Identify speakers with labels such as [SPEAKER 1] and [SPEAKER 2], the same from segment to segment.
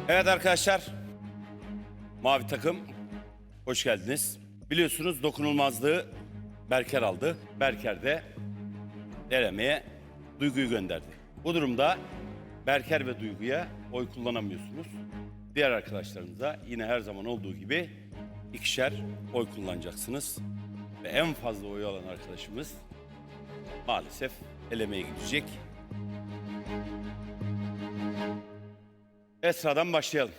[SPEAKER 1] Evet arkadaşlar, mavi takım hoş geldiniz. Biliyorsunuz dokunulmazlığı Berker aldı. Berker de elemeye Duygu'yu gönderdi. Bu durumda Berker ve Duygu'ya oy kullanamıyorsunuz. Diğer arkadaşlarınıza yine her zaman olduğu gibi ikişer oy kullanacaksınız. Ve en fazla oy alan arkadaşımız maalesef elemeye gidecek. Esra'dan başlayalım.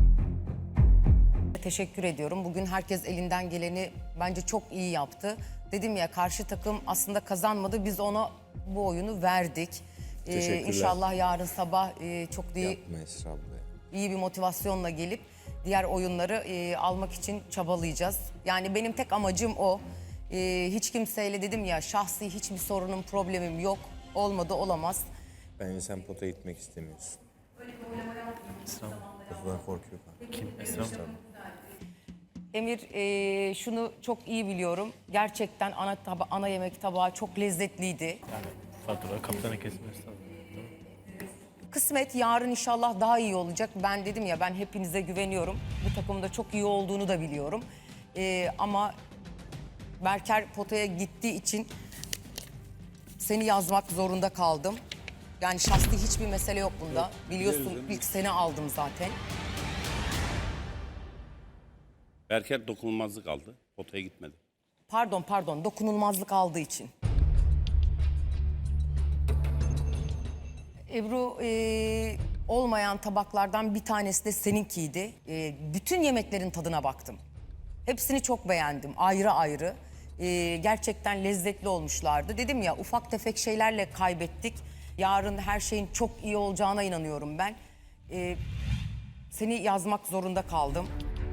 [SPEAKER 2] Teşekkür ediyorum. Bugün herkes elinden geleni bence çok iyi yaptı. Dedim ya, karşı takım aslında kazanmadı. Biz ona bu oyunu verdik. İnşallah yarın sabah çok
[SPEAKER 3] Yapma Esra abla.
[SPEAKER 2] iyi bir motivasyonla gelip diğer oyunları almak için çabalayacağız. Yani benim tek amacım o. Hiç kimseyle, dedim ya, şahsi hiçbir sorunum, problemim yok. Olmadı, olamaz.
[SPEAKER 3] Bence sen potaya gitmek istemiyorsun.
[SPEAKER 4] Esra mı?
[SPEAKER 3] Potadan korkuyor falan.
[SPEAKER 4] Kim? Esra mı?
[SPEAKER 2] Emir, şunu çok iyi biliyorum. Gerçekten ana yemek tabağı çok lezzetliydi.
[SPEAKER 4] Yani fatura kaptanı kesmesi lazım.
[SPEAKER 2] Kısmet yarın inşallah daha iyi olacak. Ben dedim ya, ben hepinize güveniyorum. Bu takımda çok iyi olduğunu da biliyorum. Ama Berker potaya gittiği için seni yazmak zorunda kaldım. Yani şahsi hiçbir mesele yok bunda. Biliyorsun, ilk seni aldım zaten.
[SPEAKER 1] Berker dokunulmazlık aldı. Potaya gitmedi.
[SPEAKER 2] Pardon, dokunulmazlık aldığı için. Ebru, olmayan tabaklardan bir tanesi de seninkiydi. Bütün yemeklerin tadına baktım. Hepsini çok beğendim, ayrı ayrı. Gerçekten lezzetli olmuşlardı. Dedim ya, ufak tefek şeylerle kaybettik. Yarın her şeyin çok iyi olacağına inanıyorum ben. Seni yazmak zorunda kaldım.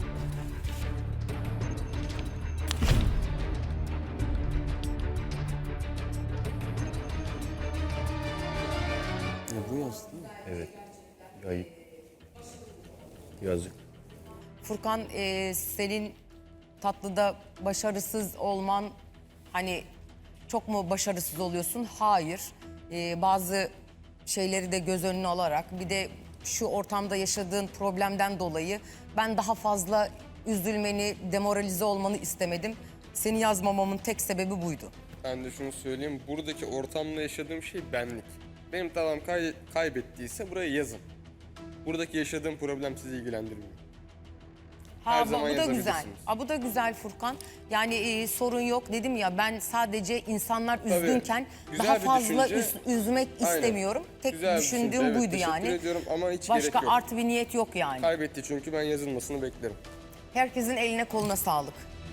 [SPEAKER 3] Bu yazdı değil mi? Evet. Ayıp. Yazık.
[SPEAKER 2] Furkan, senin tatlıda başarısız olman, hani çok mu başarısız oluyorsun? Hayır. Bazı şeyleri de göz önüne alarak, bir de şu ortamda yaşadığın problemden dolayı ben daha fazla üzülmeni, demoralize olmanı istemedim. Seni yazmamamın tek sebebi buydu.
[SPEAKER 5] Ben de şunu söyleyeyim, buradaki ortamda yaşadığım şey benlik. Benim tavam kaybettiyse buraya yazın. Buradaki yaşadığım problem sizi ilgilendirmiyor. Her zaman
[SPEAKER 2] bu da güzel.
[SPEAKER 5] yazabilirsiniz.
[SPEAKER 2] Bu da güzel Furkan. Yani sorun yok, dedim ya, ben sadece insanlar üzgünken
[SPEAKER 5] güzel
[SPEAKER 2] daha
[SPEAKER 5] bir
[SPEAKER 2] fazla
[SPEAKER 5] düşünce.
[SPEAKER 2] üzmek
[SPEAKER 5] Aynen.
[SPEAKER 2] istemiyorum. Tek
[SPEAKER 5] Güzel bir
[SPEAKER 2] düşündüğüm
[SPEAKER 5] düşünce, evet,
[SPEAKER 2] buydu
[SPEAKER 5] teşekkür
[SPEAKER 2] yani.
[SPEAKER 5] ediyorum ama hiç
[SPEAKER 2] Başka
[SPEAKER 5] gerek yok.
[SPEAKER 2] art bir niyet yok yani.
[SPEAKER 5] Kaybetti çünkü ben yazılmasını beklerim.
[SPEAKER 2] Herkesin eline koluna sağlık.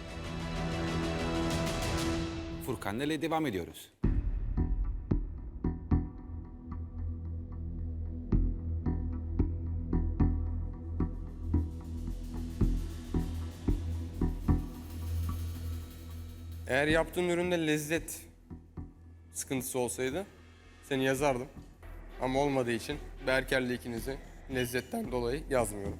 [SPEAKER 6] Furkan'la ile devam ediyoruz.
[SPEAKER 5] Eğer yaptığın üründe lezzet sıkıntısı olsaydı seni yazardım. Ama olmadığı için Berker'le ikinizi lezzetten dolayı yazmıyorum.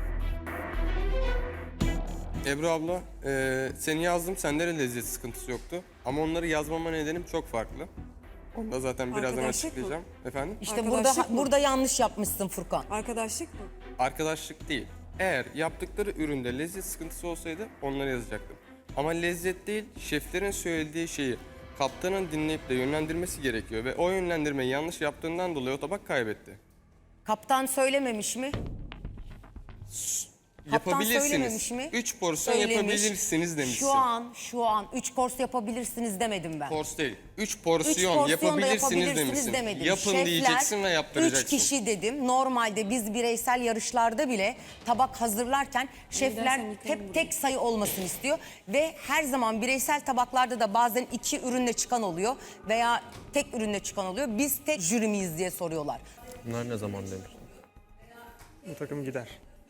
[SPEAKER 5] Ebru abla, seni yazdım, sende de lezzet sıkıntısı yoktu. Ama onları yazmama nedenim çok farklı. Onu da zaten birazdan
[SPEAKER 7] Arkadaşlık mı?
[SPEAKER 5] açıklayacağım. Efendim?
[SPEAKER 2] İşte
[SPEAKER 7] Arkadaşlık mı?
[SPEAKER 2] burada yanlış yapmışsın Furkan.
[SPEAKER 7] Arkadaşlık mı?
[SPEAKER 5] Arkadaşlık değil. Eğer yaptıkları üründe lezzet sıkıntısı olsaydı onları yazacaktım. Ama lezzet değil, şeflerin söylediği şeyi kaptanın dinleyip de yönlendirmesi gerekiyor. Ve o yönlendirmeyi yanlış yaptığından dolayı o tabak kaybetti.
[SPEAKER 2] Kaptan söylememiş mi? Kaptan söylememiş
[SPEAKER 5] Yapabilirsiniz.
[SPEAKER 2] mi?
[SPEAKER 5] 3 porsiyon
[SPEAKER 2] Söylemiş.
[SPEAKER 5] yapabilirsiniz demişsin.
[SPEAKER 2] Şu an 3 kors yapabilirsiniz demedim ben.
[SPEAKER 5] Kors değil. 3
[SPEAKER 2] Üç
[SPEAKER 5] porsiyon
[SPEAKER 2] porsiyon da
[SPEAKER 5] yapabilirsiniz demişsin.
[SPEAKER 2] demedim.
[SPEAKER 5] Yapın
[SPEAKER 2] Şefler,
[SPEAKER 5] diyeceksin ve yaptıracaksın.
[SPEAKER 2] 3 kişi dedim. Normalde biz bireysel yarışlarda bile tabak hazırlarken şefler hep tek sayı olmasını istiyor. Ve her zaman bireysel tabaklarda da bazen 2 ürünle çıkan oluyor veya tek ürünle çıkan oluyor. Biz tek jüri miyiz diye soruyorlar.
[SPEAKER 8] Bunlar ne zaman demiş?
[SPEAKER 9] Bu takım gider.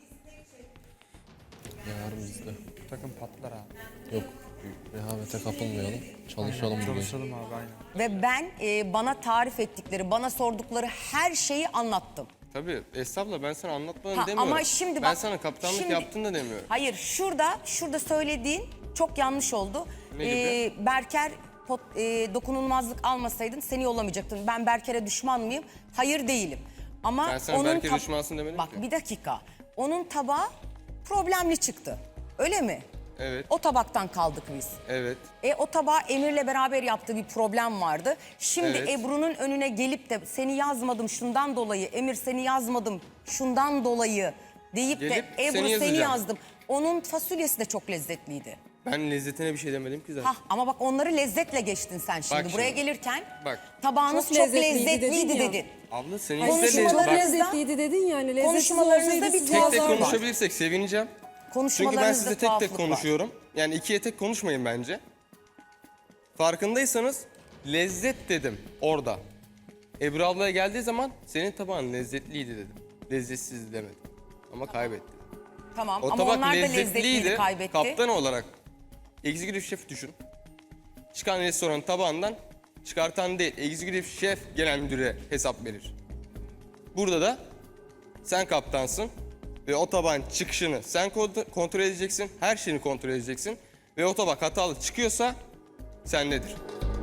[SPEAKER 8] Yarın bizde.
[SPEAKER 9] Bu takım patlar abi.
[SPEAKER 8] Yok. Rehavete kapılmayalım. Çalışalım bugün.
[SPEAKER 9] Çalışalım abi aynen.
[SPEAKER 2] Ve ben bana tarif ettikleri, bana sordukları her şeyi anlattım.
[SPEAKER 5] Tabii estağfurullah, ben sana anlatmadım
[SPEAKER 2] Ha,
[SPEAKER 5] demiyorum.
[SPEAKER 2] ama şimdi
[SPEAKER 5] ben
[SPEAKER 2] bak,
[SPEAKER 5] sana kaptanlık
[SPEAKER 2] şimdi-
[SPEAKER 5] yaptın da demiyorum.
[SPEAKER 2] Hayır, şurada söylediğin çok yanlış oldu.
[SPEAKER 5] Ne gibi?
[SPEAKER 2] Berker dokunulmazlık almasaydın seni yollamayacaktım. Ben Berker'e düşman mıyım? Hayır, değilim. Ama
[SPEAKER 5] Ben sana
[SPEAKER 2] onun
[SPEAKER 5] Berker düşmansın demedim
[SPEAKER 2] Bak
[SPEAKER 5] ki.
[SPEAKER 2] bir dakika. Onun tabağı problemli çıktı. Öyle mi?
[SPEAKER 5] Evet,
[SPEAKER 2] O tabaktan kaldık biz.
[SPEAKER 5] evet.
[SPEAKER 2] O tabağı Emir'le beraber yaptığı bir problem vardı. Şimdi
[SPEAKER 5] Evet.
[SPEAKER 2] Ebru'nun önüne gelip de seni yazmadım şundan dolayı, Emir seni yazmadım şundan dolayı deyip
[SPEAKER 5] Gelip
[SPEAKER 2] de Ebru
[SPEAKER 5] seni
[SPEAKER 2] seni
[SPEAKER 5] yazacağım.
[SPEAKER 2] yazdım. Onun fasulyesi de çok lezzetliydi.
[SPEAKER 5] Ben lezzetine bir şey demedim ki zaten.
[SPEAKER 2] Hah, ama bak onları lezzetle geçtin sen şimdi.
[SPEAKER 5] Bak
[SPEAKER 2] Buraya
[SPEAKER 5] şimdi.
[SPEAKER 2] gelirken
[SPEAKER 5] Bak.
[SPEAKER 2] tabağınız
[SPEAKER 7] Çok
[SPEAKER 2] çok
[SPEAKER 7] lezzetliydi
[SPEAKER 2] lezzetliydi
[SPEAKER 7] dedin ya.
[SPEAKER 2] dedin.
[SPEAKER 5] Abla senin
[SPEAKER 7] Hayır,
[SPEAKER 5] yüzde
[SPEAKER 2] Konuşmalarınızda-
[SPEAKER 7] çok
[SPEAKER 2] Bak,
[SPEAKER 7] lezzetliydi dedin yani. Lezzetsiz
[SPEAKER 2] konuşmalarınızda
[SPEAKER 7] olsaydı
[SPEAKER 2] bir
[SPEAKER 7] siz
[SPEAKER 5] tek tek
[SPEAKER 2] tuhaflık var.
[SPEAKER 5] konuşabilirsek sevineceğim. Çünkü ben
[SPEAKER 2] Konuşmalarınızda
[SPEAKER 5] size tek tek
[SPEAKER 2] tuhaflık var.
[SPEAKER 5] konuşuyorum. Yani ikiye tek konuşmayın bence. Farkındaysanız lezzet dedim orada. Ebru ablaya geldiği zaman senin tabağın lezzetliydi dedim. Lezzetsiz demedim. Ama kaybetti.
[SPEAKER 2] Tamam
[SPEAKER 5] O
[SPEAKER 2] ama
[SPEAKER 5] tabak
[SPEAKER 2] onlar da
[SPEAKER 5] lezzetliydi.
[SPEAKER 2] lezzetliydi, kaybetti.
[SPEAKER 5] Kaptan olarak executive şef düşün. Çıkan restoranın tabağından çıkartan değil, executive şef genel müdüre hesap verir. Burada da sen kaptansın ve o tabağın çıkışını sen kontrol edeceksin, her şeyini kontrol edeceksin ve o tabak hatalı çıkıyorsa sendedir.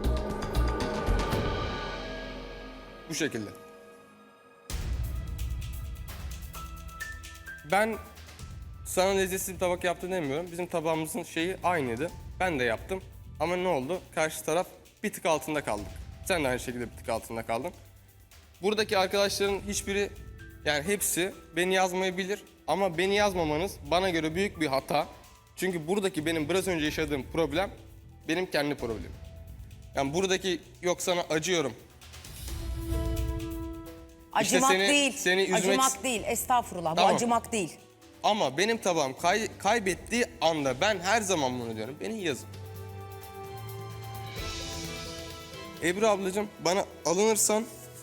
[SPEAKER 5] Bu şekilde. Ben sana lezzetsiz bir tabak yaptın demiyorum. Bizim tabağımızın şeyi aynıydı. Ben de yaptım. Ama ne oldu? Karşı taraf bir tık altında kaldık. Sen de aynı şekilde bir tık altında kaldın. Buradaki arkadaşların hiçbiri, yani hepsi beni yazmayabilir. Ama beni yazmamanız bana göre büyük bir hata. Çünkü buradaki benim biraz önce yaşadığım problem benim kendi problemim. Yani buradaki yok sana acıyorum.
[SPEAKER 2] Acımak
[SPEAKER 5] seni-
[SPEAKER 2] değil.
[SPEAKER 5] seni üzmek-
[SPEAKER 2] Acımak değil. Estağfurullah.
[SPEAKER 5] Tamam.
[SPEAKER 2] Bu acımak değil.
[SPEAKER 5] Ama benim tabağım kaybettiği anda ben her zaman bunu diyorum. Beni yazın. Ebru ablacığım bana alınırsan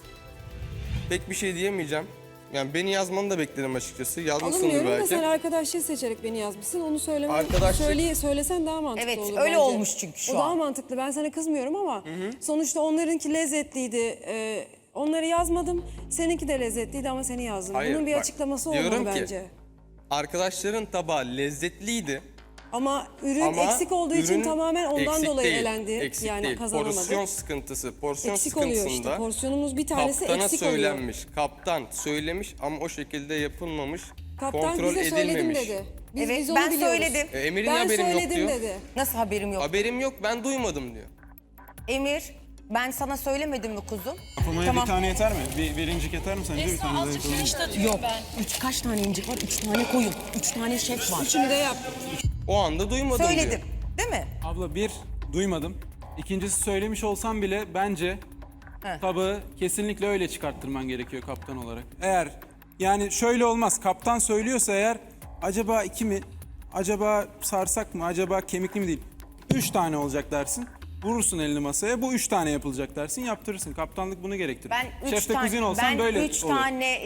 [SPEAKER 5] pek bir şey diyemeyeceğim. Yani beni yazmanı da beklerim açıkçası. Yazmışsındır
[SPEAKER 7] Alınmıyorum da
[SPEAKER 5] belki.
[SPEAKER 7] sen arkadaşlığı seçerek beni yazmışsın. Onu
[SPEAKER 5] Arkadaşlık-
[SPEAKER 7] söylesen daha mantıklı
[SPEAKER 2] Evet,
[SPEAKER 7] olur
[SPEAKER 2] öyle
[SPEAKER 7] bence.
[SPEAKER 2] olmuş çünkü şu
[SPEAKER 7] O daha
[SPEAKER 2] an.
[SPEAKER 7] mantıklı. Ben sana kızmıyorum ama sonuçta onlarınki lezzetliydi. Onları yazmadım. Seninki de lezzetliydi ama seni yazdım.
[SPEAKER 5] Hayır,
[SPEAKER 7] Bunun bir
[SPEAKER 5] bak,
[SPEAKER 7] açıklaması
[SPEAKER 5] diyorum
[SPEAKER 7] olmalı
[SPEAKER 5] ki-
[SPEAKER 7] bence.
[SPEAKER 5] Arkadaşların tabağı lezzetliydi.
[SPEAKER 7] Ama ürün
[SPEAKER 5] Ama
[SPEAKER 7] eksik olduğu için
[SPEAKER 5] ürün
[SPEAKER 7] tamamen ondan
[SPEAKER 5] eksik
[SPEAKER 7] dolayı
[SPEAKER 5] değil,
[SPEAKER 7] elendi.
[SPEAKER 5] Eksik
[SPEAKER 7] yani
[SPEAKER 5] değil.
[SPEAKER 7] kazanamadı.
[SPEAKER 5] Porsiyon sıkıntısı. Porsiyon
[SPEAKER 7] Eksik oluyor işte.
[SPEAKER 5] sıkıntısında
[SPEAKER 7] Porsiyonumuz bir tanesi
[SPEAKER 5] kaptana
[SPEAKER 7] eksik oluyor.
[SPEAKER 5] söylenmiş. Kaptan söylemiş ama o şekilde yapılmamış.
[SPEAKER 7] Kaptan
[SPEAKER 5] kontrol
[SPEAKER 7] bize söyledim
[SPEAKER 5] edilmemiş.
[SPEAKER 7] dedi.
[SPEAKER 2] Evet,
[SPEAKER 7] biz onu
[SPEAKER 2] ben
[SPEAKER 7] biliyoruz.
[SPEAKER 2] söyledim.
[SPEAKER 5] Emir'in
[SPEAKER 7] Ben
[SPEAKER 5] haberim yok
[SPEAKER 7] söyledim
[SPEAKER 5] diyor.
[SPEAKER 7] dedi.
[SPEAKER 2] Nasıl haberim yok?
[SPEAKER 5] Haberim yok, ben duymadım diyor.
[SPEAKER 2] Emir, ben sana söylemedim mi kuzum?
[SPEAKER 10] Yapılmaya
[SPEAKER 2] Tamam.
[SPEAKER 10] bir tane yeter mi? Bir incik yeter mi sence? Bir tane daha yapalım.
[SPEAKER 2] Yok. Kaç tane incik var? 3 tane koyun. 3 tane şef var.
[SPEAKER 7] Üçünü de yap.
[SPEAKER 5] O anda duymadım
[SPEAKER 2] Söyledim.
[SPEAKER 5] diyor.
[SPEAKER 2] Değil mi?
[SPEAKER 10] Abla bir, duymadım. İkincisi söylemiş olsam bile bence
[SPEAKER 2] He.
[SPEAKER 10] tabağı kesinlikle öyle çıkarttırman gerekiyor kaptan olarak. Eğer yani şöyle olmaz. Kaptan söylüyorsa eğer acaba 2 mi? Acaba sarsak mı? Acaba kemikli mi değil? 3 tane olacak dersin. Vurursun elini masaya. Bu 3 tane yapılacak dersin. Yaptırırsın. Kaptanlık bunu gerektirir.
[SPEAKER 2] Ben 3
[SPEAKER 10] Şef de
[SPEAKER 2] tane,
[SPEAKER 10] kuzin olsan
[SPEAKER 2] ben
[SPEAKER 10] böyle
[SPEAKER 2] 3
[SPEAKER 10] olur.
[SPEAKER 2] tane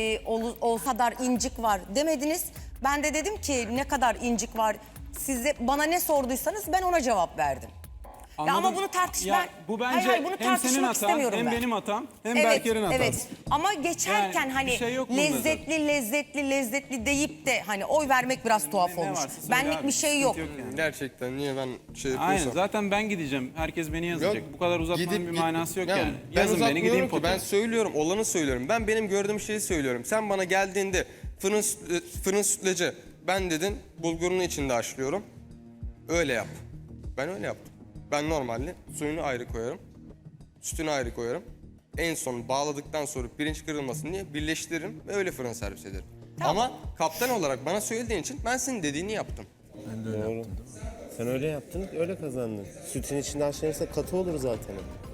[SPEAKER 2] o kadar incik var demediniz. Ben de dedim ki ne kadar incik var. Size bana ne sorduysanız ben ona cevap verdim. Ya ama
[SPEAKER 10] Anladım.
[SPEAKER 2] bunu tartış
[SPEAKER 10] Ya
[SPEAKER 2] ben.
[SPEAKER 10] bu bence
[SPEAKER 2] hayır, bunu
[SPEAKER 10] hem
[SPEAKER 2] tartışmak
[SPEAKER 10] senin hatan,
[SPEAKER 2] istemiyorum
[SPEAKER 10] hem
[SPEAKER 2] ben.
[SPEAKER 10] benim hatam, hem
[SPEAKER 2] Evet,
[SPEAKER 10] Berker'in hatası.
[SPEAKER 2] evet. Ama geçerken
[SPEAKER 10] Yani
[SPEAKER 2] hani
[SPEAKER 10] bir şey yok bunda
[SPEAKER 2] lezzetli deyip de hani oy vermek biraz tuhaf
[SPEAKER 10] Ne
[SPEAKER 2] olmuş.
[SPEAKER 10] varsa söyle
[SPEAKER 2] Benlik
[SPEAKER 10] abi,
[SPEAKER 2] bir şey
[SPEAKER 10] sıkıntı
[SPEAKER 2] yok.
[SPEAKER 10] yani.
[SPEAKER 5] Gerçekten niye ben şey
[SPEAKER 10] Aynen
[SPEAKER 5] yapıyorsam.
[SPEAKER 10] zaten ben gideceğim. Herkes beni yazacak. Bu kadar uzatmanın bir manası yok yani.
[SPEAKER 5] Ben
[SPEAKER 10] Yazın beni
[SPEAKER 5] uzatmıyorum
[SPEAKER 10] gideyim
[SPEAKER 5] ki,
[SPEAKER 10] potaya.
[SPEAKER 5] ben söylüyorum, olanı söylüyorum. Ben benim gördüğüm şeyi söylüyorum. Sen bana geldiğinde fırın sütlacı, ben dedin bulgurunu içinde haşlıyorum. Öyle yap. Ben öyle yaptım. Ben normalde suyunu ayrı koyarım. Sütünü ayrı koyarım. En son bağladıktan sonra pirinç kırılmasın diye birleştiririm ve öyle fırın servis ederim. Ama kaptan olarak bana söylediğin için ben senin dediğini yaptım.
[SPEAKER 3] Doğru. Sen öyle yaptın, öyle kazandın. Sütün içinde haşlanırsa katı olur zaten.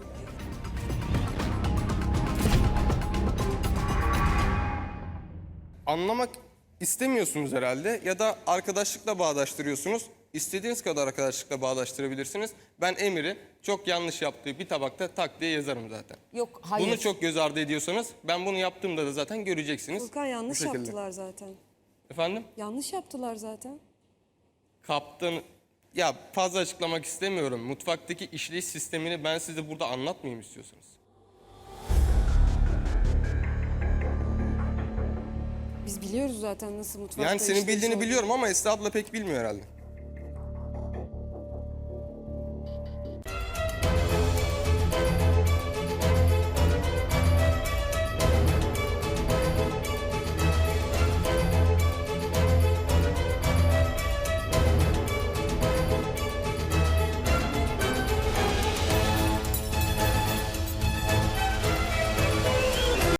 [SPEAKER 5] Anlamak istemiyorsunuz herhalde ya da arkadaşlıkla bağdaştırıyorsunuz. İstediğiniz kadar arkadaşlıkla bağdaştırabilirsiniz. Ben Emir'i çok yanlış yaptığı bir tabakta tak diye yazarım zaten.
[SPEAKER 2] Yok hayır.
[SPEAKER 5] Bunu çok göz ardı ediyorsanız ben bunu yaptığımda da zaten göreceksiniz.
[SPEAKER 7] Furkan yanlış
[SPEAKER 5] Bu şekilde.
[SPEAKER 7] yaptılar zaten.
[SPEAKER 5] Efendim?
[SPEAKER 7] Yanlış yaptılar zaten.
[SPEAKER 5] Kaptan... Ya fazla açıklamak istemiyorum. Mutfaktaki işleyiş sistemini ben size burada anlatmayayım istiyorsanız.
[SPEAKER 7] Biz biliyoruz zaten nasıl mutfakta
[SPEAKER 5] Yani senin
[SPEAKER 7] işleyiş
[SPEAKER 5] bildiğini
[SPEAKER 7] olduğunu.
[SPEAKER 5] biliyorum ama Esra abla pek bilmiyor herhalde.